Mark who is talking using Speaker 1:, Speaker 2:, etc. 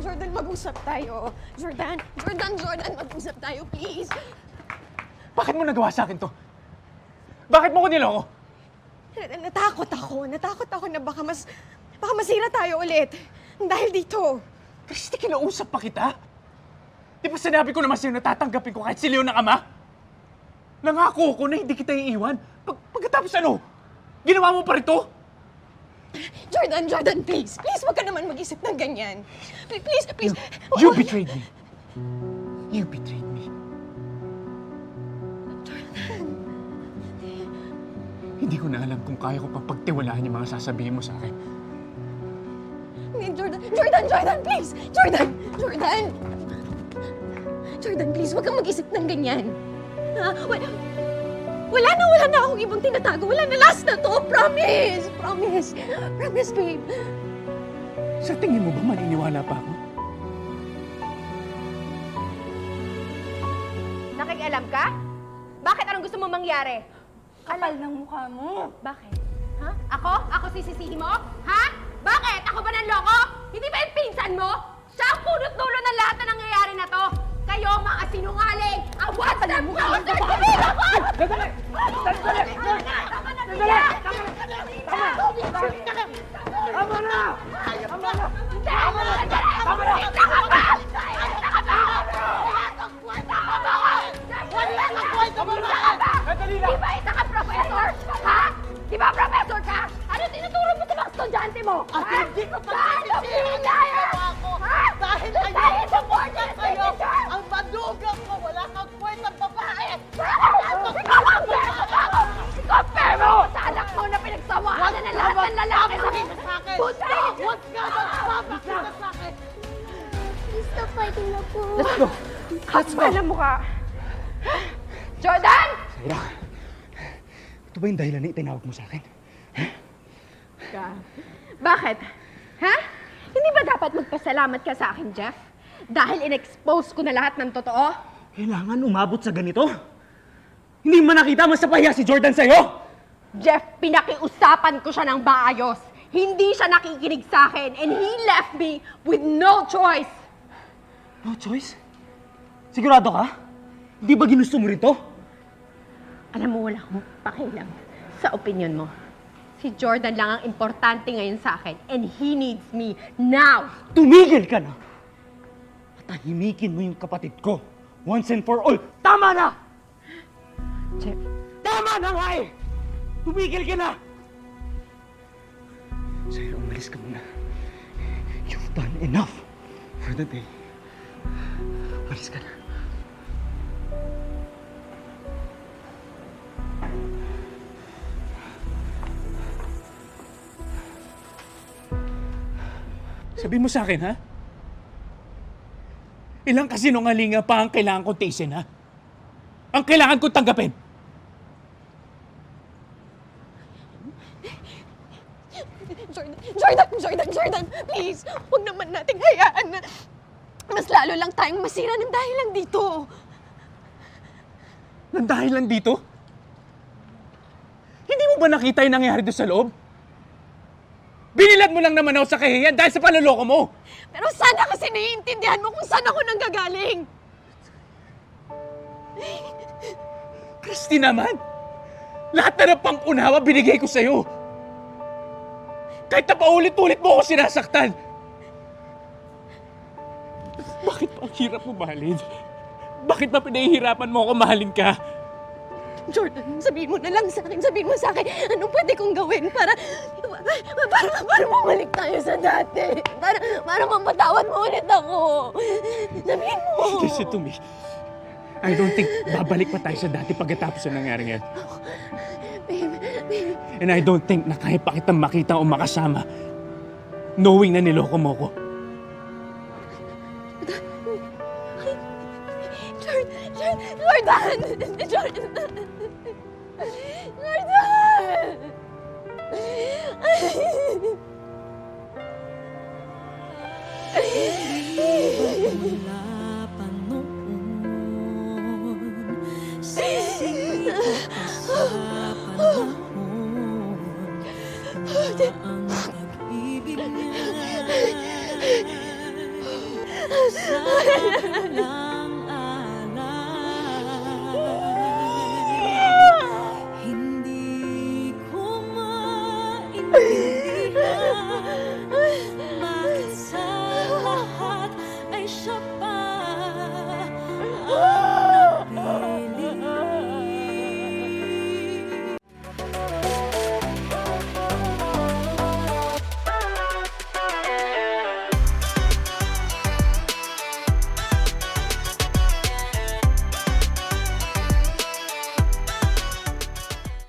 Speaker 1: Jordan, mag-usap tayo. Jordan, mag-usap tayo, please.
Speaker 2: Bakit mo nagawa sa akin to? Bakit mo ko niloko?
Speaker 1: Natakot ako na baka masira tayo ulit. Dahil dito.
Speaker 2: Christy, kinausap pa kita? Di ba sinabi ko naman sa'yo na tatanggapin ko kahit si Leon ng ama? Nangako ko na hindi kita iiwan. Pagkatapos ano? Ginawa mo pa rin to?
Speaker 1: Jordan, please. Please, wag ka naman mag-isip ng ganyan. Please.
Speaker 2: You betrayed me. You betrayed me.
Speaker 1: Jordan.
Speaker 2: Hindi ko na alam kung kaya ko pang pagtiwalaan yung mga sasabihin mo sa akin.
Speaker 1: Jordan, please! Jordan, please, wag kang mag-isip ng ganyan. Wala na akong ibang tinatago. Wala na, last na to. Promise, babe.
Speaker 2: Sa tingin mo ba maniniwala pa ako?
Speaker 3: Nakikialam ka? Bakit? Anong gusto mo mangyari?
Speaker 1: Kapal ng mukha mo.
Speaker 3: Bakit? Ha? Ako sisisihin mo? Ha? Bakit? Ako ba nanloko? Hindi ba yung pinsan mo? Siya ang punot-dulo ng lahat na nangyayari na to. Kayo, mga sinungaling! Ang WhatsApp mo!
Speaker 2: Sandali! Tama na!
Speaker 3: Di ba isa ka professor? Ha? Di ba professor ka? Ano tinuturo mo sa mga estudyante mo?
Speaker 4: At hindi ko
Speaker 3: pagsisisihan
Speaker 4: ako! Dahil
Speaker 3: sa board ng
Speaker 4: sa'yo!
Speaker 3: signature!
Speaker 4: Ang madugang ko! Wala kang kwentang babae!
Speaker 3: Compare mo sa anak mo na pinagsawaan na ng lahat ng lalaki sa
Speaker 4: sa akin!
Speaker 3: Buti!
Speaker 4: Huwag ka magpapakita sa akin!
Speaker 1: Stop fighting na po.
Speaker 2: Let's go!
Speaker 3: Kapal ang mukha! Jordan!
Speaker 2: Saira, ito ba yung dahilan na itinawag mo sa akin?
Speaker 3: Bakit? Ha? Hindi ba dapat magpasalamat ka sa akin, Jeff? Dahil in-expose ko na lahat ng totoo?
Speaker 2: Kailangan umabot sa ganito? Hindi mo nakita mas napahiya si Jordan sa'yo?
Speaker 3: Jeff, pinakiusapan ko siya ng maayos. Hindi siya nakikinig sa akin and he left me with no choice.
Speaker 2: No choice? Sigurado ka? Hindi ba ginusto mo rin to?
Speaker 3: Alam mo, wala akong pakialam sa opinion mo. Si Jordan lang ang importante ngayon sa akin and he needs me now.
Speaker 2: Tumigil ka na! Patahimikin mo yung kapatid ko. Once and for all, tama na!
Speaker 3: Jeff,
Speaker 2: Tama na nga eh! Tumigil ka na! Saira, umalis ka muna. You've done enough for the day. Umalis ka na. Sabi mo sa akin, ha? Ilang kasinungalinga pa ang kailangan kong tiisin, ha? Ang kailangan kong tanggapin!
Speaker 1: Jordan, please. Huwag naman nating hayaan na mas lalo lang tayong masira ng dahil lang dito.
Speaker 2: Nang dahil lang dito? Hindi mo ba nakita yung nangyari doon sa loob? Binilad mo lang naman ako sa kahihiyan dahil sa panloloko mo!
Speaker 1: Pero sana kasi naiintindihan mo kung saan ako nanggagaling.
Speaker 2: Christy naman! Lahat na ng pang-unawa binigay ko sa'yo! Kahit na paulit-ulit mo ako sinasaktan! Bakit pa ang hirap mo mahalin? Bakit ba pinahihirapan mo ako mahalin ka?
Speaker 1: Jordan, sabihin mo na lang sa akin. Sabihin mo sa akin, anong pwede kong gawin para bumalik tayo sa dati. Para mapatawad mo ulit ako. Sabihin mo.
Speaker 2: Listen to me. I don't think babalik pa tayo sa dati pagkatapos ng nangyari ngayon.
Speaker 1: Babe.
Speaker 2: And I don't think na kaya pa kitang makita o makasama knowing na niloko mo ko.
Speaker 1: Jordan!
Speaker 5: Mula pa noon, sisingit ka sa panahon, ang pag-ibig niya. sa akin lang.